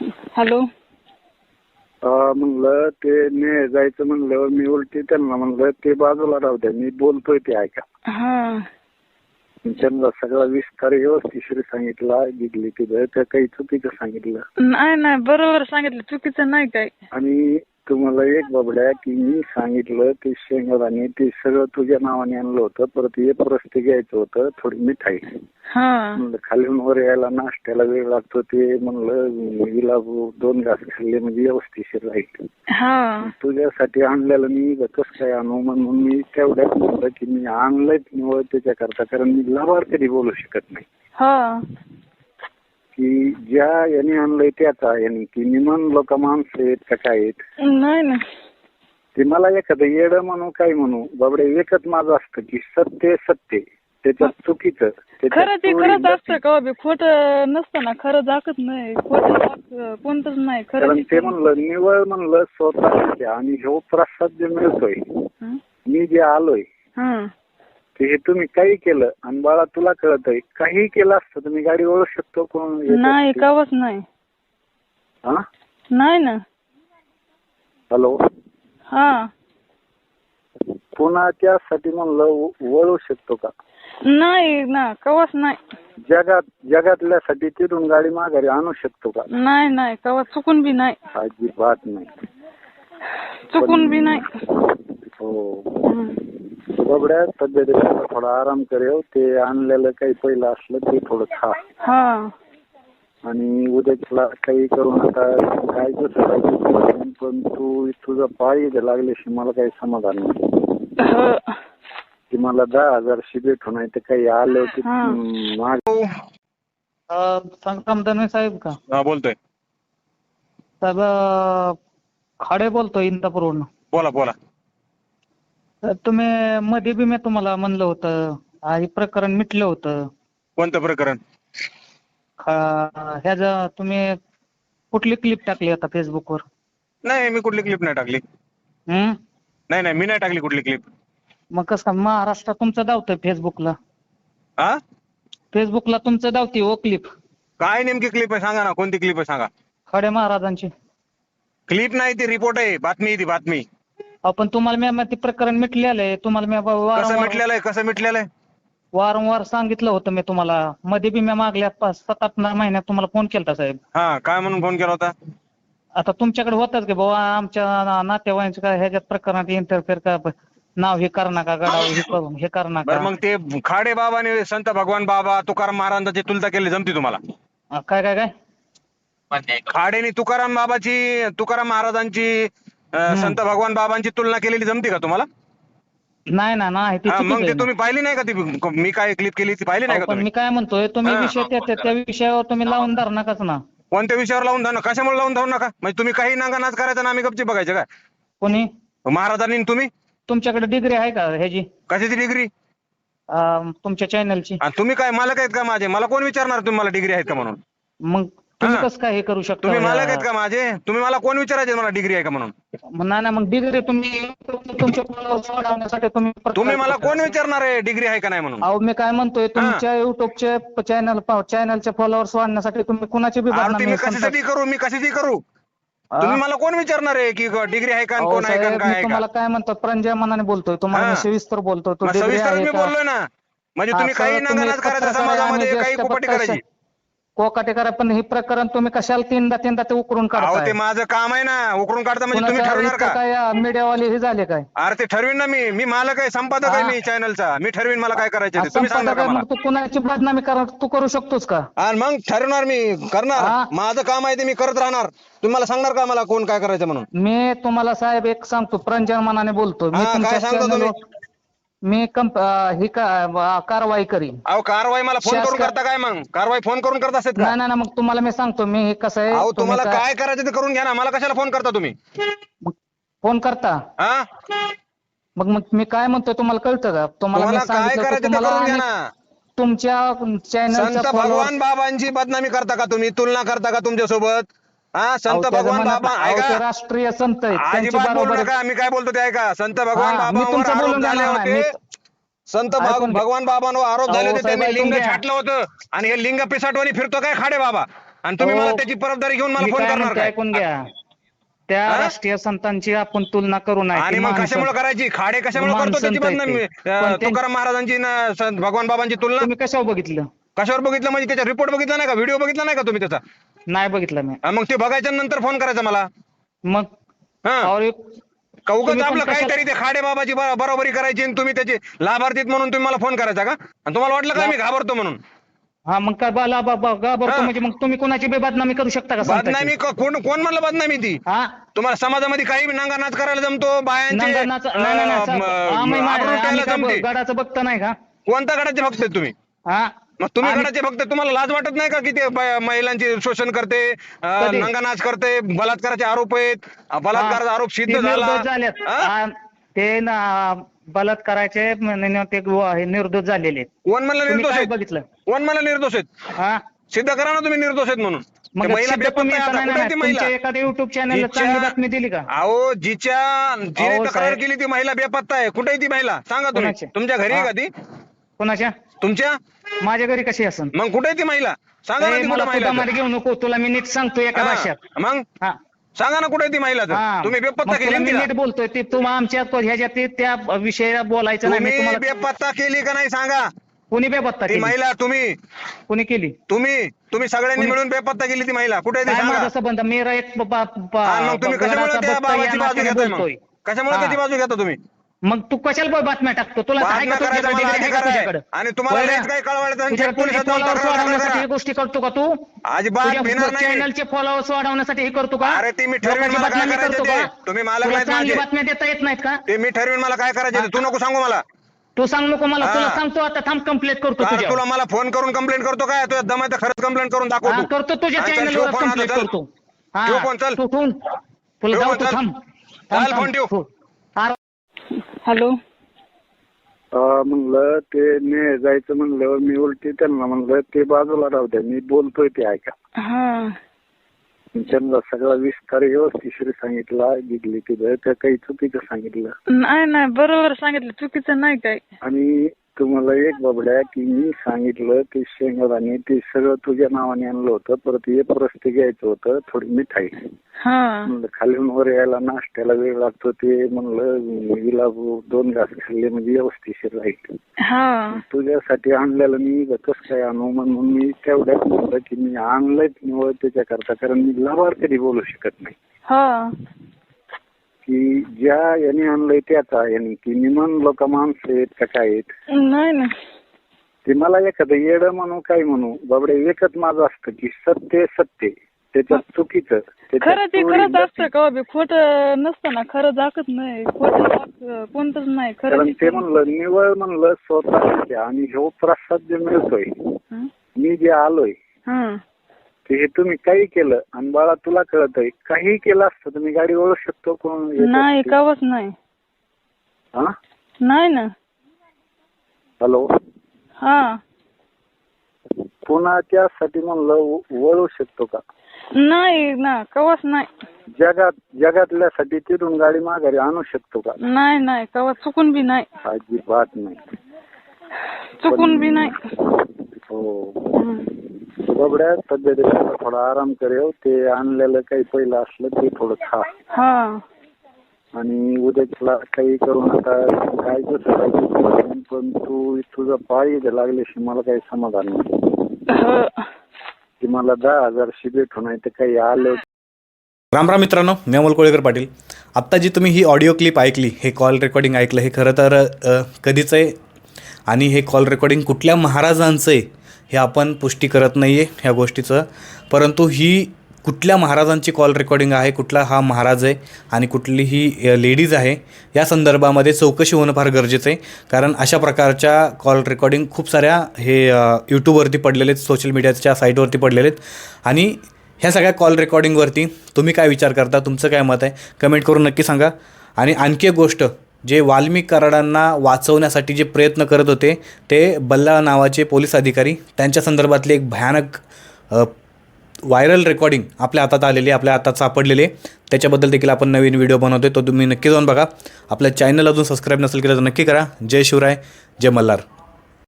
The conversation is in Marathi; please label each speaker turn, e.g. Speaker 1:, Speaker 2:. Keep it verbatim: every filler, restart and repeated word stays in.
Speaker 1: हॅलो.
Speaker 2: म्हणलं ते ने जायचं म्हणलं मी उलटी त्यांना म्हणलं ते बाजूला राहू द्या, मी बोलतोय ते ऐका.
Speaker 1: हा.
Speaker 2: त्यांना सगळा विस्तार व्यवस्थित सांगितला. जिथली तिथं त्या काही चुकीचं सांगितलं
Speaker 1: नाही नाही बरोबर सांगितलं, चुकीचं नाही काय.
Speaker 2: आणि तुम्हाला एक बाबड्या की मी सांगितलं ते शेंगदाणे ते सगळं तुझ्या नावाने आणलं होतं. परत एक रस्ते घ्यायचं होतं, थोडी मिठाई. म्हणलं खालीून वर यायला नाश्त्याला वेळ लागतो, ते म्हणलं हिला दोन घास खाल्ले म्हणजे व्यवस्थित राहील. तुझ्यासाठी आणलेलं मी कसं काय आणू म्हणून मी तेवढ्यात म्हणलं की मी आणलंच निवड त्याच्याकरता, कारण मी लाभार कधी बोलू शकत नाही की ज्या यांनी आणलंय त्याचा यांनी की निमन लोक माणसं आहेत का काय आहेत.
Speaker 1: नाही ना
Speaker 2: ते मला एखादं येडं म्हणू काय म्हणू बाबडे, एकच माझं असतं की सत्य सत्य, त्याच्यात चुकीचं
Speaker 1: खरं ते खरंच असतं का बी, खोटं नसतं ना, खरं दाखत नाही, खोटं कोणतंच नाही खरं.
Speaker 2: ते म्हणलं निवळ म्हणलं स्वतः आणि ह्यो प्रसाद जे मिळतोय मी जे आलोय ते हे तुम्ही काही केलं आणि बाळा तुला कळत आहे काही केलं असतं तुम्ही गाडी ओळखू शकतो कोण
Speaker 1: नाही कवच नाही.
Speaker 2: हा
Speaker 1: नाही ना.
Speaker 2: हॅलो.
Speaker 1: हा
Speaker 2: पुन्हा त्यासाठी म्हणलं वळू शकतो का?
Speaker 1: नाही ना कवच नाही.
Speaker 2: जगात जगातल्यासाठी तिथून गाडी माघारी आणू शकतो का?
Speaker 1: नाही नाही कवच चुकून बी नाही.
Speaker 2: अजिबात नाही,
Speaker 1: चुकून बी नाही.
Speaker 2: हो बबड्या तब्येतीला थोडा आराम करेव, ते आणलेलं काही पहिलं असलं ते थोडं खा.
Speaker 1: हा
Speaker 2: आणि उद्याला काही करू नका, काय दुसरं पण तू तुझं पायी लागल्याशी मला काही समाधान नाही की मला दहा हजार शिबेट नाही तर काही आलं की
Speaker 1: संग्राम साहेब का?
Speaker 3: हा बोलतोय
Speaker 1: साहेब, खाडे बोलतोय इंदापूरवरून.
Speaker 3: बोला बोला.
Speaker 1: तुम्ही मध्ये बी मी तुम्हाला म्हणलं होतं हे प्रकरण मिटलं होतं.
Speaker 3: कोणतं प्रकरण?
Speaker 1: ह्याच तुम्ही कुठली क्लिप टाकली आता फेसबुकवर?
Speaker 3: नाही मी कुठली क्लिप नाही टाकली.
Speaker 1: हम्म
Speaker 3: नाही नाही मी नाही टाकली कुठली क्लिप.
Speaker 1: मग कसं महाराष्ट्रात तुमचं धावतंय फेसबुकला?
Speaker 3: हा
Speaker 1: फेसबुकला तुमचं धावती ओ क्लिप.
Speaker 3: काय नेमकी क्लिप आहे सांगा ना, कोणती क्लिप आहे सांगा.
Speaker 1: खडे महाराजांची
Speaker 3: क्लिप नाही ती रिपोर्ट आहे, बातमी आहे ती बातमी.
Speaker 1: पण तुम्हाला मी ते प्रकरण मिटलेलं आहे, तुम्हाला मी
Speaker 3: कसं मिटलेलं आहे कसं मिटलेलं आहे
Speaker 1: वारंवार सांगितलं होतं मी तुम्हाला. मध्ये बी मी मागल्या पाच सात आठ महिन्यात तुम्हाला फोन केला साहेब.
Speaker 3: हा काय म्हणून फोन केला होता?
Speaker 1: आता तुमच्याकडे होताच की बाबा आमच्या नातेवाईकांच्या काय ह्याच्यात प्रकरणात इंटरफेअर का नाव हे कर नका, गडाव हे करून हे कर नका.
Speaker 3: मग ते खाडे बाबाने संत भगवान बाबा तुकाराम महाराजांची तुलना केली जमती तुम्हाला?
Speaker 1: काय काय काय
Speaker 3: खाडेने तुकाराम बाबाची तुकाराम महाराजांची संत भगवान बाबांची तुलना केलेली जमती का तुम्हाला?
Speaker 1: नाही ना नाही ती
Speaker 3: मग ते तुम्ही पाहिली नाही का ती मी काय क्लिप केली ती पाहिली नाही का तुम्ही?
Speaker 1: मी काय म्हणतोय तुम्ही विषय त्या विषयावर तुम्ही लावून धरू नकाच ना.
Speaker 3: कोणत्या विषयावर लावून धरू नका? कशामुळे लावून धरू नका? म्हणजे तुम्ही काही नांगानाच करायचं ना आम्ही गपची बघायचं काय?
Speaker 1: कोणी?
Speaker 3: महाराजांनी. तुम्ही तुमच्याकडे
Speaker 1: डिग्री आहे का ह्याची?
Speaker 3: कशाची डिग्री?
Speaker 1: तुमच्या चॅनलची.
Speaker 3: तुम्ही काय मालक आहेत का माझे? मला कोण विचारणार तुम्ही मला डिग्री आहेत का म्हणून?
Speaker 1: मग तुम्ही कसं काय हे करू शकता?
Speaker 3: तुम्ही मालक आहेत का माझे? तुम्ही मला कोण विचारायचे मला डिग्री आहे का म्हणून?
Speaker 1: नाही ना मग डिग्री तुम्ही तुमच्या वाढवण्यासाठी तुम्ही
Speaker 3: तुम्ही मला कोण विचारणार आहे डिग्री आहे का नाही म्हणून?
Speaker 1: अहो मी काय म्हणतोय तुमच्या युट्यूबचे चॅनल चॅनलचे फॉलोअर्स वाढण्यासाठी तुम्ही कुणाची बी बदनामी
Speaker 3: मी कशासाठी करू? मी कशाची करू? तुम्ही मला कोण विचारणार आहे की डिग्री आहे का कोण आहे का काय?
Speaker 1: तुम्हाला काय म्हणतो प्रणजय मनाने बोलतोय, तुम्हाला सविस्तर बोलतोय. तो
Speaker 3: सविस्तर मी बोललोय ना. म्हणजे तुम्ही काही नांगनाच करायचं समाजामध्ये, काही कुपटी करायची.
Speaker 1: कोकाटे करा, पण हे प्रकरण तुम्ही कशाला तीनदा तीनदा ते उकरून काढताय?
Speaker 3: ते माझं काम आहे ना, उकरून काढता म्हणजे तुम्ही ठरवणार का?
Speaker 1: काय मीडियावाले हे झाले काय?
Speaker 3: अरे ते ठरवीन ना मी. मी मालक आहे, संपादक आहे मी चॅनलचा. मी ठरवीन मला काय करायचं ते. तुम्ही सांगा का मला?
Speaker 1: तू कुणाची बदनामी करा तू करू शकतोस का?
Speaker 3: आणि मग ठरवणार मी, करणार. माझं काम आहे ते मी करत राहणार. तुम्ही मला सांगणार का मला कोण काय करायचं म्हणून?
Speaker 1: मी तुम्हाला साहेब एक सांगतो, प्रणजय मनाने बोलतो मी.
Speaker 3: काय सांगतो तुम्ही?
Speaker 1: मी ही कारवाई करीन.
Speaker 3: अहो कारवाई मला फोन करून करता काय? मग कारवाई फोन करून करत असेल का?
Speaker 1: नाही नाही मग तुम्हाला मी सांगतो मी कसं आहे.
Speaker 3: अहो तुम्हाला काय करायचं ते करून घ्या ना. मला कशाला फोन करता तुम्ही?
Speaker 1: फोन करता
Speaker 3: हा
Speaker 1: मग मग मी काय म्हणतोय तुम्हाला कळतं का? तुम्हाला
Speaker 3: काय करायचं ते करून घ्या ना.
Speaker 1: तुमच्या चॅनलचा
Speaker 3: संत भगवान बाबांची बदनामी करता का तुम्ही? तुलना करता का तुमच्या सोबत? हा संत भगवान बाबा ऐका,
Speaker 1: राष्ट्रीय संत
Speaker 3: अजिबात बोलू नका. मी काय बोलतो ते ऐका. संत भगवान बाबांवर आरोप झाले होते. संत भगवान बाबांवर आरोप झाले होते. त्यांनी लिंग छाटलं होतं आणि हे लिंग पिसाटवानी फिरतो काय खाडे बाबा? आणि तुम्ही
Speaker 1: हो.
Speaker 3: मला त्याची परतदारी घेऊन मला
Speaker 1: मी
Speaker 3: फोन
Speaker 1: काय
Speaker 3: करणार
Speaker 1: म्हणतो
Speaker 3: काय?
Speaker 1: ऐकून घ्या. त्या
Speaker 3: हा?
Speaker 1: राष्ट्रीय संतांची आपण तुलना करू नये.
Speaker 3: आणि
Speaker 1: ती
Speaker 3: मग
Speaker 1: माणसं-
Speaker 3: कशामुळे करायची? खाडे कशामुळे
Speaker 1: माणसं
Speaker 3: करतो त्याची
Speaker 1: संत आहेत
Speaker 3: बदनामी?
Speaker 1: ते.
Speaker 3: अं,
Speaker 1: पण ते-
Speaker 3: तुकाराम महाराजांची न संत भगवान बाबांची तुलना
Speaker 1: तुम्ही कशावर बघितलं?
Speaker 3: कशावर बघितलं म्हणजे त्याचा रिपोर्ट बघितला नाही का? व्हिडिओ बघितला नाही का तुम्ही त्याचा?
Speaker 1: नाही बघितलं मी.
Speaker 3: हा, मग ते बघायच्या नंतर फोन करायचा मला.
Speaker 1: मग
Speaker 3: हा
Speaker 1: और एक-
Speaker 3: का उगाच
Speaker 1: तुम्ही पण
Speaker 3: आपलं
Speaker 1: कशाला-
Speaker 3: काहीतरी ते खाडे बाबाची ब- बरोबरी करायची आणि तुम्ही त्याचे लाभार्थीत म्हणून तुम्ही मला फोन करायचा का? आणि तुम्हाला वाटलं का
Speaker 1: ला-
Speaker 3: मी घाबरतो म्हणून?
Speaker 1: हा मग काय बाला बाबा घाबरतो
Speaker 3: हा.
Speaker 1: म्हणजे मग तुम्ही कोणाची बी बदनामी करू शकता का संतांची?
Speaker 3: बदनामी क- कोण कोण म्हणलं बदनामी ती?
Speaker 1: हा
Speaker 3: तुम्हाला समाजामध्ये काही नंगा नाच करायला जमतो, बायांचे
Speaker 1: नंगा नाच नाही नाही नाही, साहेब.
Speaker 3: अं,
Speaker 1: आम्ही मा-
Speaker 3: आबरू
Speaker 1: आम्ही
Speaker 3: लुटायला
Speaker 1: काय
Speaker 3: जमते.
Speaker 1: गडाचं बघता नाही का?
Speaker 3: कोणत्या गडाचे भक्त आहेत तुम्ही?
Speaker 1: हा
Speaker 3: मग तुम्ही
Speaker 1: आम्ही-
Speaker 3: गडाचे भक्त, तुम्हाला लाज वाटत नाही का की ते ब- महिलांचे शोषण करते, अं,
Speaker 1: कधी?
Speaker 3: नंगा नाच करते, बलात्काराचे आरोप आहेत, अं, बलात्काराचा आरोप सिद्ध
Speaker 1: ते
Speaker 3: झाला.
Speaker 1: निर्दोष झालेत.
Speaker 3: हा?
Speaker 1: हा, ते ना बलात्काराचे म्हणे ते गो- हे निर्दोष झालेले आहेत.
Speaker 3: कोण म्हणलं
Speaker 1: तुम्ही
Speaker 3: निर्दोष
Speaker 1: काय
Speaker 3: आहेत?
Speaker 1: बघितलं?
Speaker 3: कोण म्हणलं निर्दोष आहेत?
Speaker 1: हा
Speaker 3: सिद्ध करा ना तुम्ही निर्दोष आहेत म्हणून.
Speaker 1: मग
Speaker 3: ते महिला
Speaker 1: सिद्ध
Speaker 3: बेपत्ता
Speaker 1: तुम्ही
Speaker 3: आहे आता.
Speaker 1: नाही,
Speaker 3: कुठे आहे
Speaker 1: नाही,
Speaker 3: ती
Speaker 1: तुमच्या
Speaker 3: महिला?
Speaker 1: एखाद्या युट्यूब चॅनलला
Speaker 3: जिच्या-
Speaker 1: चांगली बातमी दिली का?
Speaker 3: अहो जिच्या जिने
Speaker 1: अहो,
Speaker 3: तक्रार
Speaker 1: साहेब.
Speaker 3: केली ती महिला बेपत्ता आहे. कुठे आहे ती महिला? सांगा तुम्ही.
Speaker 1: कोणाची?
Speaker 3: तुमच्या घरी आहे
Speaker 1: हा.
Speaker 3: का ती?
Speaker 1: कोणाच्या?
Speaker 3: तुमच्या?
Speaker 1: माझ्या घरी कशी असन?
Speaker 3: मग कुठे आहे ती महिला? सांगा ना
Speaker 1: ए,
Speaker 3: ती
Speaker 1: मला
Speaker 3: कुठे
Speaker 1: तुझा
Speaker 3: महिला
Speaker 1: मध्ये घेऊ नको, तुला मी नीट सांगतो एका
Speaker 3: आहे?
Speaker 1: भाषेत.
Speaker 3: हा. मग
Speaker 1: हा
Speaker 3: सांगा ना कुठे आहे ती महिला तर?
Speaker 1: हा.
Speaker 3: तुम्ही बेपत्ता
Speaker 1: मग
Speaker 3: केली
Speaker 1: तुला
Speaker 3: ना
Speaker 1: मी
Speaker 3: तिला?
Speaker 1: नीट बोलतोय ते तुम्हा आमच्या ह्याच्यात ते- त्या विषयाला बोलायचं नाही. मी
Speaker 3: तुम्ही
Speaker 1: तुम्हाला
Speaker 3: बेपत्ता केली का नाही सांगा?
Speaker 1: कुणी बेपत्ता
Speaker 3: ती
Speaker 1: केली?
Speaker 3: महिला तुम्ही
Speaker 1: कुणी केली?
Speaker 3: तुम्ही तुम्ही सगळ्यांनी
Speaker 1: कोणी-
Speaker 3: मिळून बेपत्ता केली ती महिला. कुठे आहे ती
Speaker 1: काय
Speaker 3: सांगा?
Speaker 1: माझा संबंध? मेरा एक ब- ब- ब-
Speaker 3: आणि मग तुम्ही कशामुळे
Speaker 1: गडाचा
Speaker 3: त्या
Speaker 1: भक्त या
Speaker 3: बाबाची बाजू
Speaker 1: नात्याने
Speaker 3: घेताय मग?
Speaker 1: बोलतोय.
Speaker 3: कशामुळे
Speaker 1: हा.
Speaker 3: त्याची बाजू घेता तुम्ही?
Speaker 1: मग तू कशाला बातम्या टाकतो? तुला आहे
Speaker 3: बातम्या
Speaker 1: का
Speaker 3: करायचा
Speaker 1: तुझ्याकडे
Speaker 3: मला
Speaker 1: degree आहे का
Speaker 3: अधिकार आहे.
Speaker 1: तुझ्याकडे?
Speaker 3: आणि तुम्हाला
Speaker 1: होय ना?
Speaker 3: लयच काही कळवायचं आणि
Speaker 1: तुझ्या-
Speaker 3: थेट पोलिसात
Speaker 1: तुझे
Speaker 3: जाऊन
Speaker 1: followers
Speaker 3: तक्रार
Speaker 1: वाढवण्यासाठी
Speaker 3: करा.
Speaker 1: हे गोष्टी करतो का तू?
Speaker 3: अजिबात
Speaker 1: तुझ्या
Speaker 3: भिणार नाही.
Speaker 1: चॅनलचे फॉलोअर्स वाढवण्यासाठी हे करतो का?
Speaker 3: अरे ते मी ठरवीन
Speaker 1: लोकांची
Speaker 3: मला काय
Speaker 1: बदनामी
Speaker 3: करायचं
Speaker 1: करतो
Speaker 3: ते.
Speaker 1: का?
Speaker 3: तुम्ही मालक
Speaker 1: तुला
Speaker 3: नाहीत
Speaker 1: चांगली
Speaker 3: माझे.
Speaker 1: बातम्या देता येत नाहीत का?
Speaker 3: ते मी ठरवीन मला काय करायचं ते. तू नको सांगू मला.
Speaker 1: तू सांग नको मला,
Speaker 3: हा.
Speaker 1: तुला सांगतो आता, थांब कंप्लेंट करतो
Speaker 3: अरे
Speaker 1: तुझ्या.
Speaker 3: तुला मला फोन करून कंप्लेंट करतो काय? तुझ्या दम आहे तर खरंच कंप्लेंट करून दाखव
Speaker 1: हा,
Speaker 3: तू.
Speaker 1: करतो तुझ्या
Speaker 3: हा, चल,
Speaker 1: चॅनलवर
Speaker 3: ठेव फोन आता,
Speaker 1: कंप्लेंट
Speaker 3: चल.
Speaker 1: करतो.
Speaker 3: ठेव फोन, चल.
Speaker 1: तू ठेवून तुला
Speaker 3: ठेव
Speaker 1: जाऊ
Speaker 3: फोन,
Speaker 1: तू
Speaker 3: चल.
Speaker 1: थांब.
Speaker 3: चाल, फोन ठेव.
Speaker 4: हॅलो.
Speaker 2: अं, म्हणलं ते ने जायचं म्हणलं मी उलटी त्यांना म्हणलं ते बाजूला राहू द्या, मी बोलतोय ते ऐका.
Speaker 4: हा
Speaker 2: त्यांना सगळा विस्तार व्यवस्थित सांगितला. गिगली तिथं त्या काही चुकीचं सांगितलं.
Speaker 4: नाही नाही बरोबर सांगितलं, चुकीचं नाही काय.
Speaker 2: आणि तुम्हाला एक बाबड्या की मी सांगितलं ते शेंगदाणे ते सगळं तुझ्या नावाने आणलं होतं. परत एक रस्ते घ्यायचं होतं, थोडी मिठाई.
Speaker 4: हा
Speaker 2: म्हणलं खालीून वर यायला नाश्त्याला वेळ लागतो ते म्हणलं हिला दोन घास खाल्ले म्हणजे व्यवस्थिशीर राहील.
Speaker 4: हा
Speaker 2: तुझ्यासाठी आणलेलं मी कसं काय आणू म्हणून मी तेवढ्यात म्हटलं की मी आणलंच निवड त्याच्याकरता, कारण मी लाभार कधी बोलू शकत नाही.
Speaker 4: हा
Speaker 2: की ज्या यांनी आणलंय त्याचा यांनी की मी म्हणलो का माणसं आहेत का काय आहेत
Speaker 4: नाही ना.
Speaker 2: ते मला एखादं येडं म्हणू काय म्हणू बाबडे एकच माझं असतं की सत्य सत्य त्याच्यात चुकीचं
Speaker 4: खरं ते खरंच असतं का बी, खोटं नसतं ना. खरं दाखत नाही, खोटं कोणतंच नाही. खरं
Speaker 2: कारण ते म्हणलं निवळ म्हणलं स्वतः आणि ह्यो प्रसाद जे मिळतोय
Speaker 4: हं?
Speaker 2: मी जे आलोय
Speaker 4: हं.
Speaker 2: ते हे तुम्ही काही केलं आणि बाळा तुला कळत आहे काही केलं असतं तुम्ही गाडी ओळखू शकतो कोण येत
Speaker 4: नाही
Speaker 2: असते.
Speaker 4: कवच नाही.
Speaker 2: हा
Speaker 4: नाही ना.
Speaker 2: हॅलो
Speaker 4: हा
Speaker 2: पुन्हा त्यासाठी म्हणलं वळू शकतो का?
Speaker 4: नाही ना, कवच नाही.
Speaker 2: जगात जगातल्यासाठी तिथून गाडी माघारी आणू शकतो का?
Speaker 4: नाही नाही कवच चुकून बी नाही.
Speaker 2: अजिबात नाही.
Speaker 4: चुकून बी नाही.
Speaker 2: हो
Speaker 4: हं.
Speaker 2: बबड्या तब्येतीला थोडा आराम करेव. ते आणलेलं काही पहिलं असलं ते थोडं खा
Speaker 4: हा
Speaker 2: आणि उद्याला काही करून आता काय कसं पण तू तुझं पाळी लागल्याशी मला काही समाधान नाही
Speaker 4: ह.
Speaker 2: की मला दहा हजार शिबेट होणार तर काही आलं.
Speaker 5: राम राम मित्रांनो, मी अमोल कोळेकर पाटील. आत्ता जी तुम्ही ही ऑडिओ क्लिप ऐकली, हे कॉल रेकॉर्डिंग ऐकलं, हे खरं तर अ, कधीच आहे आणि हे कॉल रेकॉर्डिंग कुठल्या महाराजांचं आहे हे आपण पुष्टी करत नाही आहे ह्या गोष्टीचं. परंतु ही कुठल्या महाराजांची कॉल रेकॉर्डिंग आहे, कुठला हा महाराज आहे आणि कुठली ही लेडीज आहे या संदर्भामध्ये चौकशी होणं फार गरजेचं आहे. कारण अशा प्रकारच्या कॉल रेकॉर्डिंग खूप साऱ्या हे यूट्यूबवरती पडलेले आहेत, सोशल मीडियाच्या साईटवरती पडलेले आहेत. आणि ह्या सगळ्या कॉल रेकॉर्डिंगवरती तुम्ही काय विचार करता, तुमचं काय मत आहे, कमेंट करून नक्की सांगा. आणि आणखी एक गोष्ट, जे वाल्मिक कराडांना वाचवण्यासाठी जे प्रयत्न करत होते ते बल्ला नावाचे पोलीस अधिकारी, त्यांच्या संदर्भातली एक भयानक व्हायरल रेकॉर्डिंग आपल्या हातात आलेली, आपल्या हातात सापडलेली आहे. त्याच्याबद्दल देखील आपण नवीन व्हिडिओ बनवतो, तो तुम्ही नक्की जाऊन बघा. आपल्या चॅनल अजून सबस्क्राईब नसेल केलं तर नक्की करा. जय शिवराय, जय मल्हार.